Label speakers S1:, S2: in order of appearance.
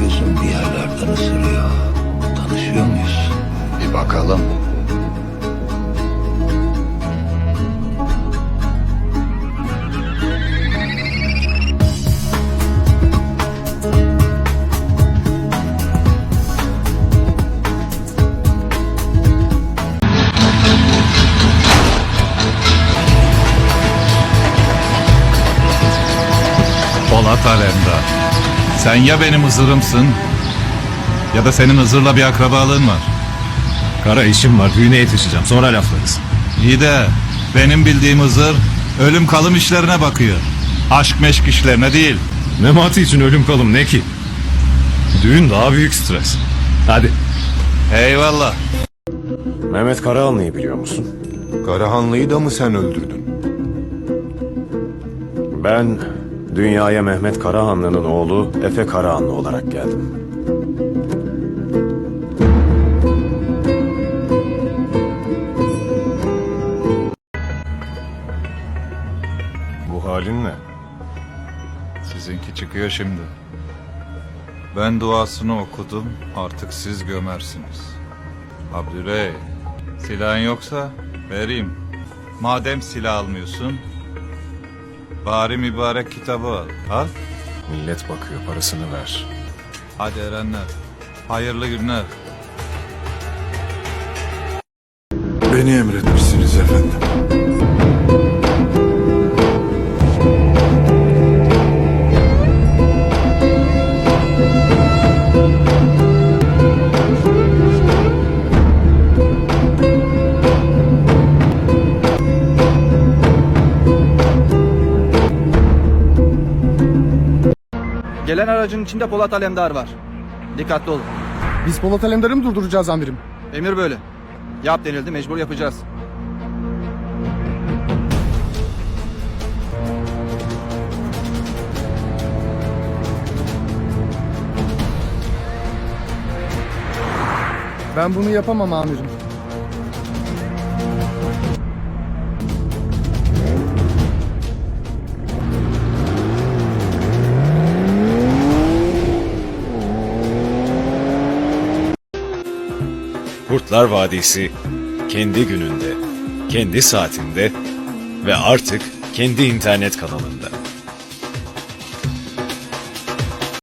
S1: gözüm bir yerlerden ısırıyor. Tanışıyor muyuz? Bir bakalım.
S2: Polat Alemdar. Sen ya benim Hızır'ımsın ya da senin Hızır'la bir akrabalığın var.
S3: Kara işim var, düğüne yetişeceğim, sonra laflarız.
S2: İyi de benim bildiğim Hızır ölüm kalım işlerine bakıyor. Aşk meşk işlerine değil.
S3: Memati için ölüm kalım ne ki? Düğün daha büyük stres. Hadi.
S2: Eyvallah.
S3: Mehmet Karahanlı'yı biliyor musun?
S4: Karahanlı'yı da mı sen öldürdün?
S3: Ben dünyaya Mehmet Karahanlı'nın oğlu Efe Karahanlı olarak geldim. Bu halin ne?
S2: Sizinki çıkıyor şimdi. Ben duasını okudum, artık siz gömersiniz. Abdüley, silahın yoksa vereyim. Madem silah almıyorsun, bari mübarek kitabı al. Al.
S3: Millet bakıyor, parasını ver.
S2: Hadi erenler, hayırlı günler.
S4: Beni emretmişsiniz efendim.
S5: Gelen aracın içinde Polat Alemdar var. Dikkatli olun.
S6: Biz Polat Alemdar'ı mı durduracağız amirim?
S5: Emir böyle. Yap denildi, mecbur yapacağız.
S6: Ben bunu yapamam amirim.
S3: Kurtlar Vadisi kendi gününde, kendi saatinde ve artık kendi internet kanalında.